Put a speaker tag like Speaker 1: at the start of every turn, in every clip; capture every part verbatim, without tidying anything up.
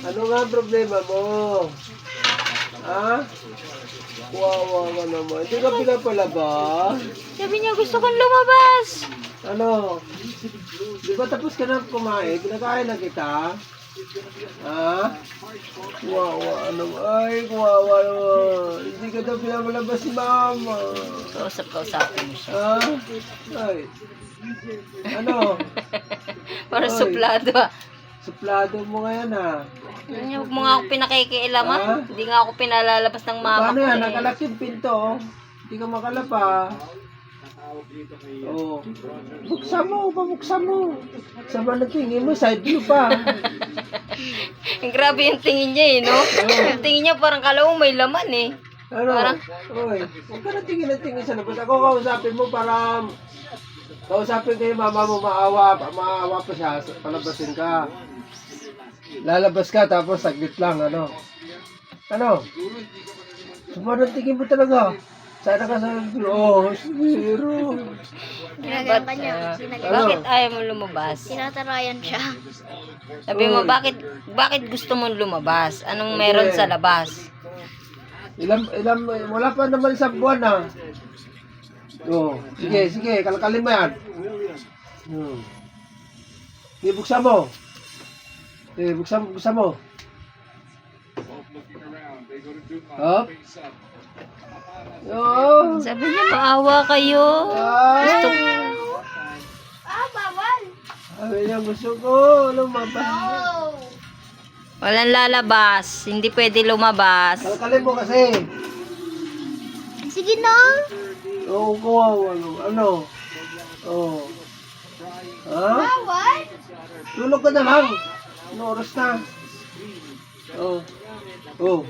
Speaker 1: Ano nga ang problema mo? Ha? Wawa ka naman. Hindi ka pinapalabas?
Speaker 2: Sabi niya, gusto kong lumabas.
Speaker 1: Ano? Di ba tapos ka na kumain? Pinakain na kita? Ha? Wawa ano? Ay, wawa naman. Hindi ka daw pinapalabas si mama.
Speaker 2: Kausap-kausapin mo siya.
Speaker 1: Ha? Ay. Ano?
Speaker 2: Para
Speaker 1: Oy.
Speaker 2: suplado ah.
Speaker 1: Suplado mo ngayon ha?
Speaker 2: Huwag mo nga ako pinakikialaman.
Speaker 1: Ah?
Speaker 2: Hindi nga ako pinalalabas ng mama
Speaker 1: Paano
Speaker 2: ko
Speaker 1: yan?
Speaker 2: eh.
Speaker 1: Nakalak yung pinto. Oh. Hindi ka makalapa. Oh. Buksan mo, pabuksan mo. Sama na tingin mo, side view pa.
Speaker 2: Grabe yung tingin niya eh, no? Yung tingin niya parang kalawang may laman eh.
Speaker 1: Ano?
Speaker 2: Parang-
Speaker 1: Oy, huwag ka na tingin na tingin sa labas. Ako kausapin mo para kausapin kayo mama mo maawa, maawa pa siya, palabasin ka. Lalabas ka tapos saglit lang, ano? Ano? Sumunod tingin mo talaga. Sana ka sa oh, zero.
Speaker 2: Ba't, ah, bakit ayaw mo lumabas?
Speaker 3: Tinatarayan siya.
Speaker 2: Sabi mo,
Speaker 1: Oy.
Speaker 2: bakit bakit gusto mong lumabas? Anong meron
Speaker 1: Okay.
Speaker 2: sa labas?
Speaker 1: Ilan, ilan, wala pa naman isang buwan na. Oh, sige, sige, kalkalin mo yan. Hmm. Sige, buksan mo. Sige, buksan, buksan mo. Hop. Oh.
Speaker 2: Sabi niya, maawa kayo.
Speaker 1: Ay.
Speaker 2: Gusto,
Speaker 3: Ah, bawal!
Speaker 1: Sabi niya, gusto ko lumabas.
Speaker 3: Oh!
Speaker 2: walang lalabas. Hindi pwede lumabas.
Speaker 1: Kalkalin mo kasi.
Speaker 3: Sige na!
Speaker 1: Oo, kuha, ano, ano. Oh. Ha?
Speaker 3: Bawal!
Speaker 1: Tulog ka na lang. Ano oras na? Oh. Oh.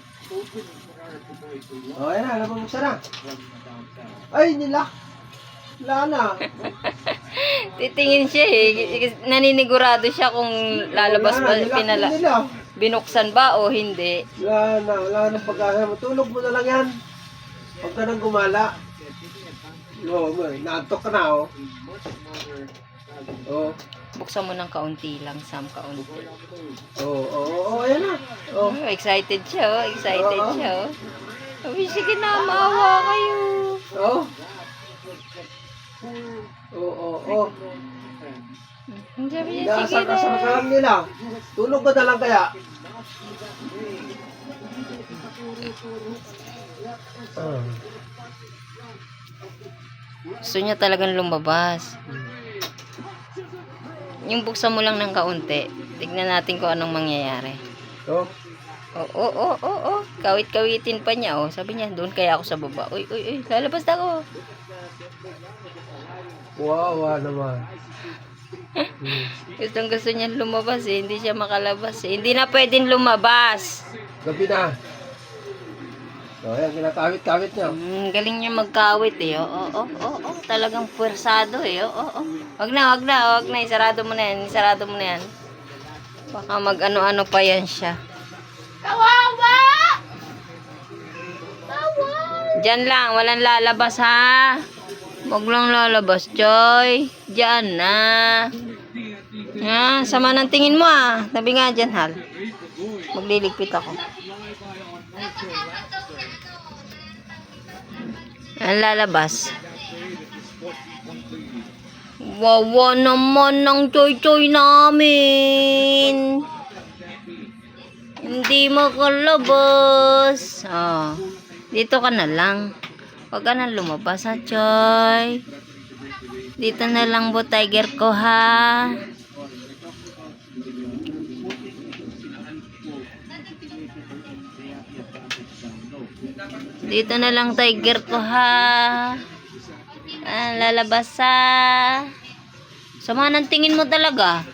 Speaker 1: Oh, ayan na, nabubuksan na. Ay, nilak. Wala na.
Speaker 2: Titingin siya eh. Naninigurado siya kung lalabas
Speaker 1: Wala
Speaker 2: ba,
Speaker 1: na, nilak
Speaker 2: pinala,
Speaker 1: na nila.
Speaker 2: binuksan ba o hindi.
Speaker 1: Wala na, wala na pagkasa. Matulog mo na lang yan. Huwag ka nang gumala. Oo, oh, naantok ka na, oh. Oh.
Speaker 2: Buksan mo ng kaunti lang, Sam, kaunti.
Speaker 1: Oo, oh, oo, oh, oh, ayan na. Oh.
Speaker 2: Oh, excited siya, oh. Excited
Speaker 1: Oo.
Speaker 2: siya, oh. Sabi, sige na, maawa kayo.
Speaker 1: Oh. Oo, oo, oo.
Speaker 2: Sabi niya, sige
Speaker 1: Inaasar-asar ka
Speaker 2: na.
Speaker 1: lang nila. Tulog ka na lang kaya. Ah.
Speaker 2: Gusto niya talagang lumabas. Yung buksan mo lang ng kaunti, tignan natin kung anong mangyayari.
Speaker 1: Oh.
Speaker 2: Oo, oo, oo, oo, oo. Kawit-kawitin pa niya, oh. Sabi niya, doon kaya ako sa baba. Uy, uy, uy, lalabas na ako.
Speaker 1: Wawa naman.
Speaker 2: Gustong gusto niya lumabas eh. Hindi siya makalabas eh. Hindi na pwedeng lumabas.
Speaker 1: Gabi na. Oh, ayan, kinakawit-kawit niya.
Speaker 2: Hmm, galing niya magkawit eh. Oo, oo, oo, oo. Talagang puwersado eh. Oo, oo. Wag na, wag na, wag na. Isarado mo na yan. Isarado mo na yan. Baka mag-ano-ano pa yan siya.
Speaker 3: Kawawa! Kawawa!
Speaker 2: Diyan lang. Walang lalabas ha. Wag lang lalabas, Joy. Diyan na. Ah, sama ng tingin mo ah. Tabi nga dyan, Hal. Magliligpit ako. Ang lalabas. Wawa naman ng choy-choy namin. Hindi makalabas. Oh, dito ka na lang. Huwag ka na lumabas ha, Choy. Dito na lang po, tiger ko ha. Dito na lang, tiger ko ha. Ah, lalabas ha. Sama ng tingin mo talaga.